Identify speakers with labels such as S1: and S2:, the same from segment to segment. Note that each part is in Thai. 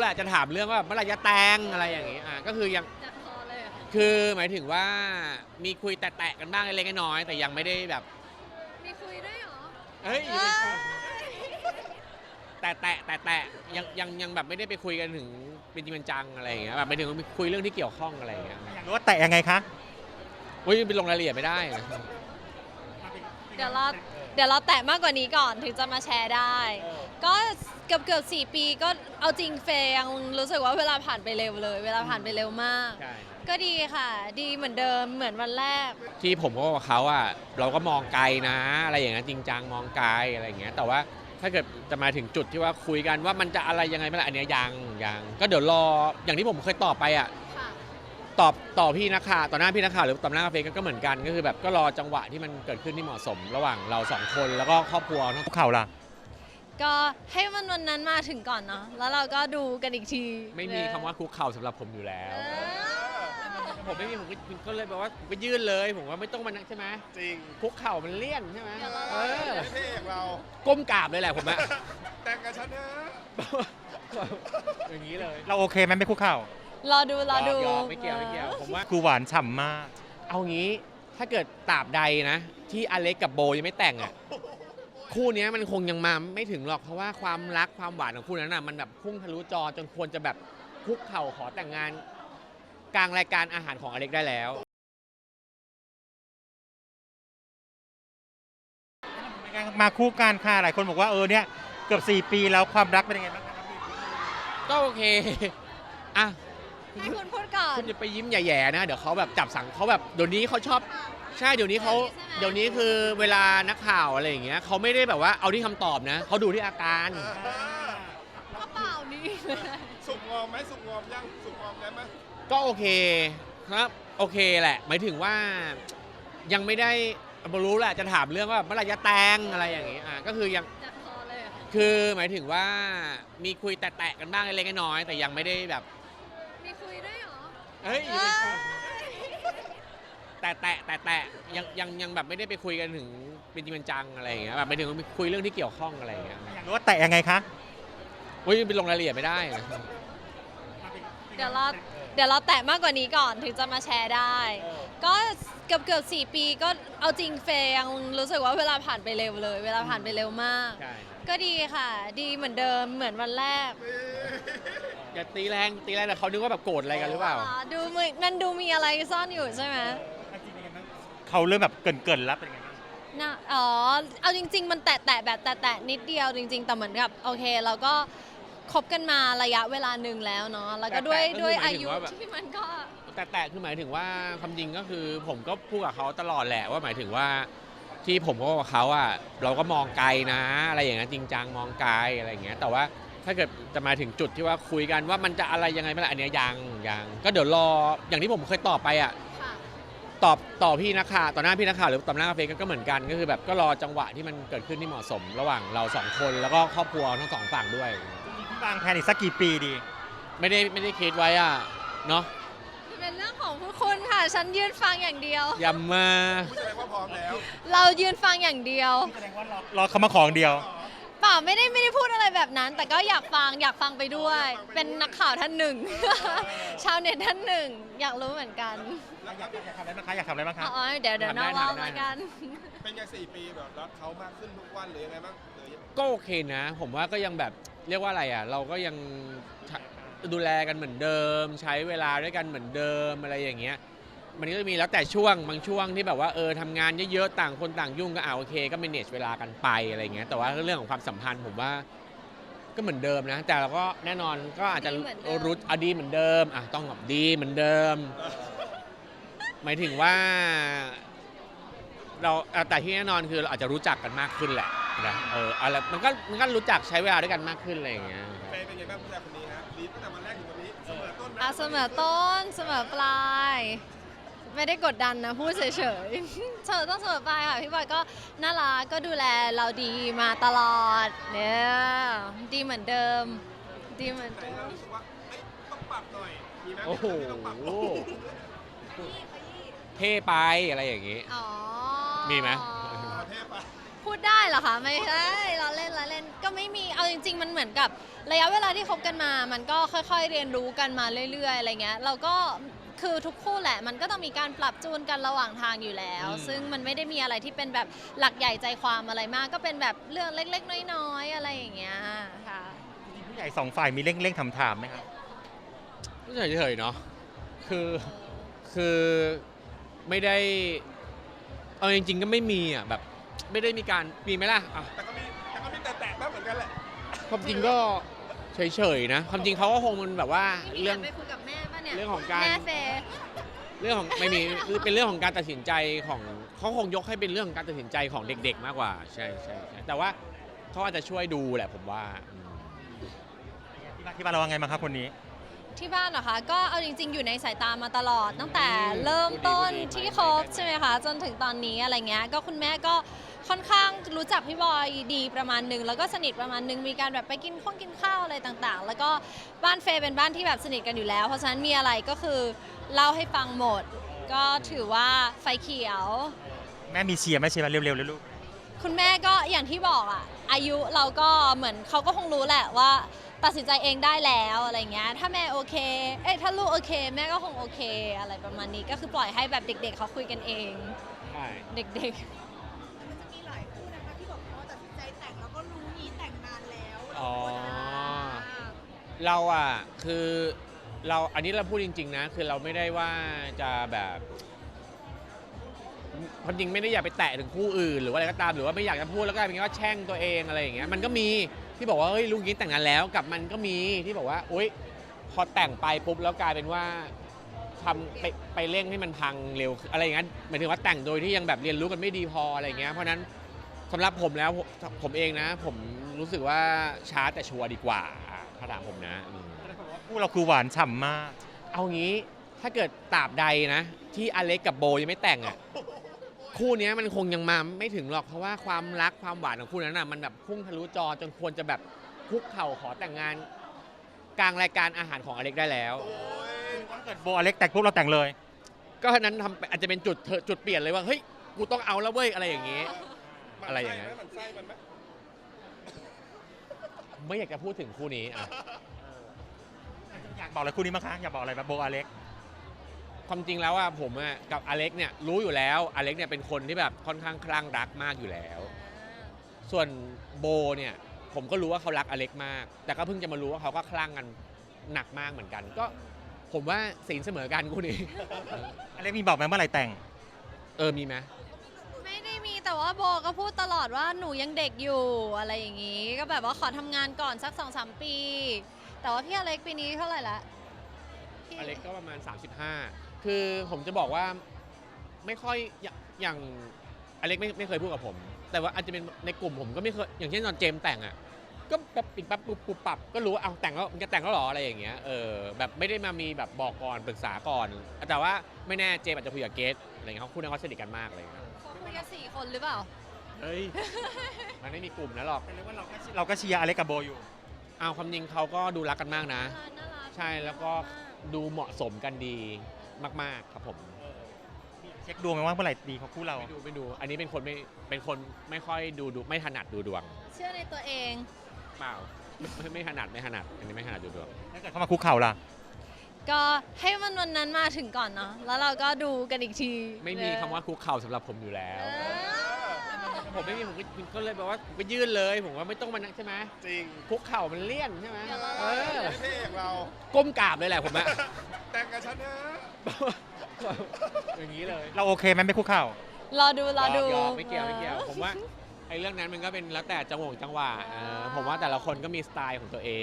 S1: หละจะถามเรื่องว่าเมื่อไหร่จะแต่งอะไรอย่างงี้ก็คือยังคือหมายถึงว่ามีคุยแตะๆกันบ้างเล็กๆน้อยๆแต่ยังไม่ได้แบบ
S2: มีคุยด้วยเหรอ
S1: เฮ้ยแต่ยังแบบไม่ได้ไปคุยกันถึงเป็นจริงเป็นจังอะไรอย่างเงี้ยแบบหมายถึงคุยเรื่องที่เกี่ยวข้องอะไรอย่างเงี้ย
S3: อยากรู้ว่าแตะยังไงคะ
S1: อุ้ยไปลงรายละเอียดไม่ได้นะ
S2: เดี๋ยวเราแตะมากกว่านี้ก่อนถึงจะมาแชร์ได้ ก็เกือบ4 ปีก็เอาจริงเฟย์ยังรู้สึกว่าเวลาผ่านไปเร็วเลย เวลาผ่านไปเร็วมาก
S1: ใช่
S2: ก็ดีค่ะ ดีเหมือนเดิมเหมือนวันแรก
S1: ที่ผมก็บอกเขาเราก็มองไกลนะอะไรอย่างเงี้ยจริงจังมองไกลอะไรอย่างเงี้ยแต่ว่าถ้าเกิดจะมาถึงจุดที่ว่าคุยกันว่ามันจะอะไรยังไงไม่ละอันเนี้ยยังก็เดี๋ยวรออย่างที่ผมเคยตอบไปต่อพี่นักข่าวต่อหน้าพี่นักข่าวหรือต่อหน้าเฟซก็เหมือนกันก็คือแบบก็รอจังหวะที่มันเกิดขึ้นที่เหมาะสมระหว่างเรา2 คนแล้วก็ครอบครัวทั้ง
S3: เข่าล่ะ
S2: ก็ให้วันนั้นมาถึงก่อนเนาะแล้วเราก็ดูกันอีกที
S1: ไม่มีคำว่าคุกเข่าสำหรับผมอยู่แล้วผมไม่มีผมก็เลยแบบว่าไปยื่นเลยผมว่าไม่ต้องมานั่งใช่ไหม
S4: จริง
S1: คุกเข่ามันเลี่ยนใช่ไหม
S4: ไม่เท่อย่างเรา
S1: ก้มกราบเลยแหละผม
S4: แต่งกับฉันนะ
S1: อย่างนี้เลย
S3: เราโอเคไหมไม่คุกเข่าร
S2: อดู
S1: ไม่เกี่ยวผมว่า
S3: คือหวานฉ่ำมาก
S1: เอางี้ถ้าเกิดตราบใดนะที่อเล็กกับโบยังไม่แต่งคู่นี้มันคงยังมาไม่ถึงหรอกเพราะว่าความรักความหวานของคู่นั้นมันแบบพุ่งทะลุจอจนควรจะแบบคุกเข่าขอแต่งงานกลางรายการอาหารของอเล็กได้แล้ว
S3: มาคู่กันค่ะหลายคนบอกว่าเนี่ยเกือบ4 ปีแล้วความรักเป็นยังไงบ้างครับ
S1: ก็โอเค
S2: ให้คุณพูดก่อน
S1: คุณจะไปยิ้มแย่ๆนะเดี๋ยวเขาแบบจับสังเขาแบบเดี๋ยวนี้เขาชอบใช่เดี๋ยวนี้คือเวลานักข่าวอะไรอย่างเงี้ยเขาไม่ได้แบบว่าเอาที่คำตอบนะเขาดูที่อาการ
S2: ก็เปล่านี่
S4: สุกงอมไหมสุกงอมยังสุกงอมได้ไหม
S1: ก็โอเคครับโอเคแหละหมายถึงว่ายังไม่ได้รู้แหละจะถามเรื่องว่าเมื่อไหร่จะแต่งอะไรอย่างงี้ก็คือยังคือหมายถึงว่ามีคุยแตะๆกันบ้างเล็กๆน้อยๆแต่ยังไม่ได้แบบ
S2: มีคุยด้วยเหรอ
S1: เฮ้ยแต่ยังแบบไม่ได้ไปคุยกันถึงเป็นจริงเป็นจังอะไรอย่างเงี้ยแบบหมายถึงคุยเรื่องที่เกี่ยวข้องอะไรอย่างเงี้ย
S3: อยากรู้ว่าแตะยังไงคะ
S1: อุ้ยไปลงรายละเอียดไม่ได้นะ
S2: เดี๋ยวเราแตะมากกว่านี้ก่อนถึงจะมาแชร์ได้ ก็เกือบ4 ปีก็เอาจริงเฟย์ยังรู้สึกว่าเวลาผ่านไปเร็วเลย เวลาผ่านไปเร็วมากก็ดีค่ะ ดีเหมือนเดิมเหมือนวันแรก
S1: อย่าตีแรงแต่เขานึกว่าแบบโกรธอะไรกันหรือเปล่า
S2: ดูมันดูมีอะไรซ่อนอยู่ใช่ไหม
S3: เขาเริ่มแบบเกินแล้วเป็นไง
S2: นะเอาจริงๆมันแตะแบบแตะนิดเดียวจริงๆแต่เหมือนกับโอเคเราก็คบกันมาระยะเวลาหนึ่งแล้วเนาะแล้วก็ด้วยอายุที่มันก็
S1: แต่คือหมายถึงว่าความจริงก็คือผมก็พูดกับเขาตลอดแหละว่าหมายถึงว่าที่ผมก็กับเขาเราก็มองไกลนะอะไรอย่างเงี้ยจริงจังมองไกลอะไรอย่างเงี้ยแต่ว่าถ้าเกิดจะมาถึงจุดที่ว่าคุยกันว่ามันจะอะไรยังไงไม่ละอันเนี้ยยังก็เดี๋ยวรออย่างที่ผมเคยตอบไปต่อพี่นักข่าวต่อหน้าพี่นักข่าวหรือต่อหน้าเฟซก็เหมือนกันก็คือแบบก็รอจังหวะที่มันเกิดขึ้นที่เหมาะสมระหว่างเรา2 คนแล้วก็ครอบครัวทั้ง2 ฝั่งด้วย
S3: พี่วางแผนอีกสักกี่ปีดี
S1: ไม่ได้คิดไว้เนาะ
S2: เป็นเรื่องของผู้คุณค่ะฉันยืนฟังอย่างเดียว
S1: ย้ำมา
S4: แสดงว่าพร้อมแล้ว
S2: เรายืนฟังอย่างเดียว
S3: แสดงว่ารอเขามาของเดียว
S2: เปล่าไม่ได้พูดอะไรแบบนั้นแต่ก็อยากฟังไปด้วยเป็นนักข่าวท่านหนึ่งชาวเน็ตท่านหนึ่งอยากรู้เหมือนกัน
S3: อยากทำอะไรบ้างคะอยากทำอะไรบ้างคะ
S2: เดี๋ยวนอกรอบแล้วกัน
S4: เป็นยัง4 ปีแบบรักเขามากขึ้นทุกวันหรือยังไงบ้าง
S1: ก็โอเคนะผมว่าก็ยังแบบเรียกว่าอะไรเราก็ยังดูแลกันเหมือนเดิมใช้เวลาด้วยกันเหมือนเดิมอะไรอย่างเงี้ยมันก็จะมีแล้วแต่ช่วงบางช่วงที่แบบว่าทำงานเยอะๆต่างคนต่างยุ่งก็โอเคก็ manage เวลากันไปอะไรเงี้ยแต่ว่าเรื่องของความสัมพันธ์ผมว่าก็เหมือนเดิมนะแต่เราก็แน่นอนก็อาจจะรู้ดีเหมือนเดิมต้องแบบดีเหมือนเดิมหมายถึงว่าเราแต่ที่แน่นอนคือเราอาจจะรู้จักกันมากขึ้นแหละนะอะไรมันก็รู้จักใช้เวลาด้วยกันมากขึ้นอะไรอย่างเงี้ย
S4: เป็นยังไงบ้างผู้ชายคนนี้ฮะดีตั้งแต่วันแรกถึงวันนี้เสมอต้น
S2: เสมอต้นเสมอปลายไม่ได้กดดันนะพูดเฉยๆต้องเสมอปลายค่ะพี่บอยก็น่ารักก็ดูแลเราดีมาตลอดเนี่ยดีเหมือนเดิมดีเหมือนเดิม
S4: รู้สึกว่าต้องปรับหน่อยมีไหม
S1: โอ้โหเท่ไปอะไรอย่างงี้มีไหม
S4: เท่ไป
S2: พูดได้เหรอคะไม่ใช่เราเล่นก็ไม่มีเอาจริงๆมันเหมือนกับระยะเวลาที่คบกันมามันก็ค่อยๆเรียนรู้กันมาเรื่อยๆอะไรเงี้ยเราก็คือทุกคู่แหละมันก็ต้องมีการปรับจูนกันระหว่างทางอยู่แล้ว ซึ่งมันไม่ได้มีอะไรที่เป็นแบบหลักใหญ่ใจความอะไรมาก ก็เป็นแบบเรื่องเล็กๆน้อยๆอะไรอย่างเงี้ยค่ะ
S3: จริงๆผู้ใหญ่สองฝ่ายมีเร่งถามๆไหมครับ
S1: ก็เฉยๆเนาะคือไม่ได้เอาจริงๆก็ไม่มีอ่ะแบบไม่ได้มีการมีไหมล่ะอ่ะ
S4: แต่ก็มีแตะๆบ้างเหมือนกันแหละ
S1: ความจริงก็เฉยๆนะความจริงเขาก็คงมันแบบว่า
S2: นี่
S1: เรื่อง
S2: ไปคุยกับแม่ป่ะเนี่ย
S1: เรื่องของการ
S2: แม่เฟย์
S1: เรื่องของไม่มีเป็นเรื่องของการตัดสินใจของเขาคงยกให้เป็นเรื่องของการตัดสินใจของเด็กๆมากกว่าใช่แต่ว่าเขาอาจจะช่วยดูแหละผมว่า
S3: ที่บ้านเราว่าไงบ้างครับคนนี้
S2: ที่บ้านเหรอคะก็เอาจริงๆอยู่ในสายตามาตลอด ตั้งแต่เริ่มต้นที่คบใช่ไหมคะจนถึงตอนนี้อะไรเงี้ยก็คุณแม่ก็ค่อนข้างรู้จักพี่บอยดีประมาณหนึ่งแล้วก็สนิทประมาณหนึ่งมีการแบบไปกินข้าวอะไรต่างๆ แล้วก็บ้านเฟย์เป็นบ้านที่แบบสนิทกันอยู่แล้ว เพราะฉะนั้นมีอะไรก็คือเล่าให้ฟังหมด ก็ถือว่าไฟเขียว
S3: แม่มีเชียร์ไหมเชียร์มาเร็วๆเลยลูก
S2: คุณแม่ก็อย่างที่บอกอะอายุเราก็เหมือนเขาก็คงรู้แหละว่าตัดสินใจเองได้แล้วอะไรเงี้ยถ้าแม่โอเคถ้าลูกโอเค แม่ก็คงโอเคอะไรประมาณนี้ก็คือปล่อยให้แบบเด็กๆเขาคุยกันเอง
S1: ใช่
S2: เด็ก
S5: มันจะมีหลายคู่นะคะที่บอกว่าตัดสินใจแต่งแล้วก็รู้งี้แต่งนานแล้ว
S1: อ๋อเราอ่ะคือเราอันนี้เราพูดจริงๆนะคือเราไม่ได้ว่าจะแบบความจริงไม่ได้อยากไปแตะถึงคู่อื่นหรือว่าอะไรก็ตามหรือว่าไม่อยากจะพูดแล้วก็เป็นว่าแช่งตัวเองอะไรอย่างเงี้ยมันก็มีที่บอกว่าเฮ้ยลูกนี้แต่งงานแล้วกับมันก็มีที่บอกว่าโอ๊ยพอแต่งไปปุ๊บแล้วกลายเป็นว่าทำไปเร่งให้มันพังเร็วอะไรอย่างเงี้ยหมายถึงว่าแต่งโดยที่ยังแบบเรียนรู้กันไม่ดีพออะไรอย่างเงี้ยเพราะนั้นสำหรับผมแล้วผมเองนะ ผมรู้สึกว่าช้าแต่ชัวร์ดีกว่าถ้าถามผมนะ
S3: คู่เราคือหวานฉ่ำมาก
S1: เอางี้ถ้าเกิดตราบใดนะ ที่อเล็กกับโบยังไม่แต่งอ่ะคู่เนี้ยมันคงยังมาไม่ถึงหรอกเพราะว่าความรักความหวานของคู่นั้นน่ะมันแบบพุ่งทะลุจอจนควรจะแบบคุกเข่าขอแต่งงาน กลางรายการอาหารของอเล็กได้แล้ว
S3: ถ้าเกิดโบอเล็กแต่งปุ๊บเราแต่งเลย
S1: ก็นั้นอาจจะเป็นจุดเปลี่ยนเลยว่าเฮ้ยกูต้องเอาแล้วเว้ยอะไรอย่างงี้ อะไรอย่างเงี้ย
S4: มันไส้มันไหม
S1: ไม่อยากจะพูดถึงคู่นี้อ่ะ
S3: อยากบอกอะไรคู่นี้มั้งคะอยากบอกอะไรแบบโบอเล็ก
S1: ความจริงแล้วอ่ะผมอ่ะกับอเล็กเนี่ยรู้อยู่แล้วอเล็กเนี่ยเป็นคนที่แบบค่อนข้างคลั่งรักมากอยู่แล้ว ส่วนโบเนี่ยผมก็รู้ว่าเขารักอเล็กมาก แต่ก็เพิ่งจะมารู้ว่าเขาก็คลั่งกันหนักมากเหมือนกัน ก็ผมว่าศีลเสมอกันคู่นี้
S3: อเล็กมีบอกไหมเมื่อไหร่แต่ง
S1: มีไหม
S2: ๆ ไม่ได้มีแต่ว่าโบก็พูดตลอดว่าหนูยังเด็กอยู่อะไรอย่างงี้ ก็แบบว่าขอทำงานก่อนสัก 2-3 ปี แต่ว่าพี่อเล็กปีนี้เท่าไหร่ละพี่
S1: อเล็กก็ประมาณ 35 คือผมจะบอกว่าไม่ค่อยอย่างอเล็กไม่เคยพูดกับผม แต่ว่าอาจจะเป็นในกลุ่มผมก็ไม่เคยอย่างเช่นตอนเจมส์แต่งอ่ะก็แบบปิดปั๊บปุ๊บปับก็รู้ว่าเอาแต่งแล้วมันจะแต่งแล้วหรออะไรอย่างเงี้ยแบบไม่ได้มามีแบบบอกก่อนปรึกษาก่อน แต่ว่าไม่แน่เจมส์อาจจะคุยกับเกสอะไรเงี้ยเขาคู่นั้นเขาสนิทกันมากเลยครับ
S2: เขาคุยกัน4 คนหรือเปล่า
S1: เฮ้ย มันไม่มีกลุ่มนะหรอก
S3: แต่เรียกว่าเราก็เชียร์อเล็กกับโบอยู่
S1: เอาความจริงเขาก็ดูรักกันมากนะ
S2: น่ารัก
S1: ใช่แล้วก็ดูเหมาะสมกันดีมากๆครับผม
S3: เช็คดวงไหมว่าเมื่อไหร่ดีของคู่เรา
S1: ไม่ดู อันนี้เป็นคนไม่ค่อยดูไม่ถนัดดูดวง
S2: เชื่อในตัวเอง
S1: เปล่าไม่ถนัดอันนี้ไม่ถนัดดูดวง
S3: ถ้าเกิดเข้ามาคุกเข่าล่ะ
S2: ก็ให้มันวันนั้นมาถึงก่อนเนาะแล้วเราก็ดูกันอีกที
S1: ไม่มีคำว่าคุกเข่าสำหรับผมอยู่แล้ว
S2: เออ
S1: ผมไม่มีผมก็เลยบอกว่าผมก็ยื่นเลยผมว่าไม่ต้องมานั่งใช่ไหม
S4: จริง
S1: คุกเข่ามันเลี่ยนใช่ไหม
S4: ไม่เท่อย่างเรา
S1: ก้มกราบเลยแหละผมอะ
S4: แต่งกับฉันนะ
S1: อย่างนี้เลย
S3: เราโอเคไหมไม่คุกเข่า
S2: รอดู
S1: ยอมไม่เกี่ยวผมว่าไอ้เรื่องนั้นมันก็เป็นแล้วแต่จังหวะผมว่าแต่ละคนก็มีสไตล์ของตัวเอง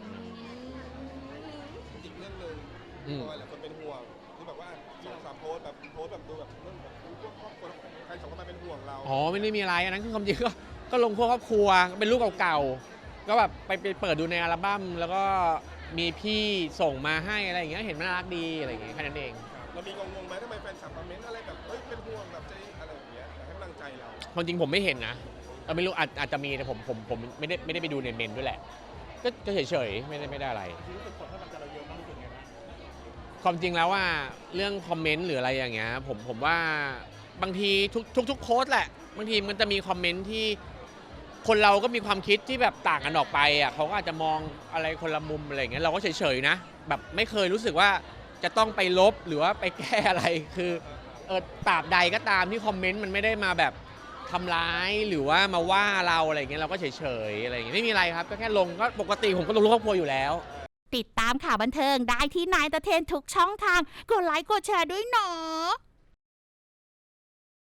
S4: อีกเรื่องหนึ่ง
S1: อืม
S4: เพราะว่าหลายคนเป็นห่วงที่แบบว่า2-3โพสต์แบบดูแบบเรื่องแบบพวกครอบครัวใครสองคนมาเป็นห่วงเรา
S1: อ๋อไม่ได้มีอะไรอันนั้นคือความจริงก็ลงพวกครอบครัวเป็นรูปเก่าๆก็แบบไปเปิดดูในอัลบั้มแล้วก็มีพี่ส่งมาให้อะไรอย่างเงี้ยเห็นมันน่ารักดีอะไรอย่างเงี้ยแค่นั้นเอง
S4: เรามีงงๆไหมทำไมแฟนคลับคอมเมนต์อะไรแบบเฮ้ยเป็นห่วงแบบใจอะไรอย่างเงี้ยอยากให้กำลังใจเรา
S1: ความจริงผมไม่เห็นนะไม่รู้อาจจะมีแต่ผมไม่ได้ไปดูในเมนด้วยแหละ ก็เฉยๆไม่ได้อะไร ความจริงแล้วว่าเรื่องคอมเมนต์หรืออะไรอย่างเงี้ยผมว่าบางทีทุกโพสต์แหละบางทีมันจะมีคอมเมนต์ที่คนเราก็มีความคิดที่แบบต่างกันออกไปอ่ะเขาก็อาจจะมองอะไรคนละมุมอะไรอย่างเงี้ยเราก็เฉยๆนะแบบไม่เคยรู้สึกว่าจะต้องไปลบหรือว่าไปแก้อะไรคือตราบใดก็ตามที่คอมเมนต์มันไม่ได้มาแบบทำร้ายหรือว่ามาว่าเราอะไรอย่างเงี้ยเราก็เฉยๆอะไรอย่างเงี้ยไม่มีอะไรครับก็แค่ลงก็ปกติผมก็ลงรูปครอบครัวอยู่แล้ว
S6: ติดตามข่าวบันเทิงได้ที่นายตะเทนทุกช่องทางกดไลค์กดแชร์ด้วยเนาะ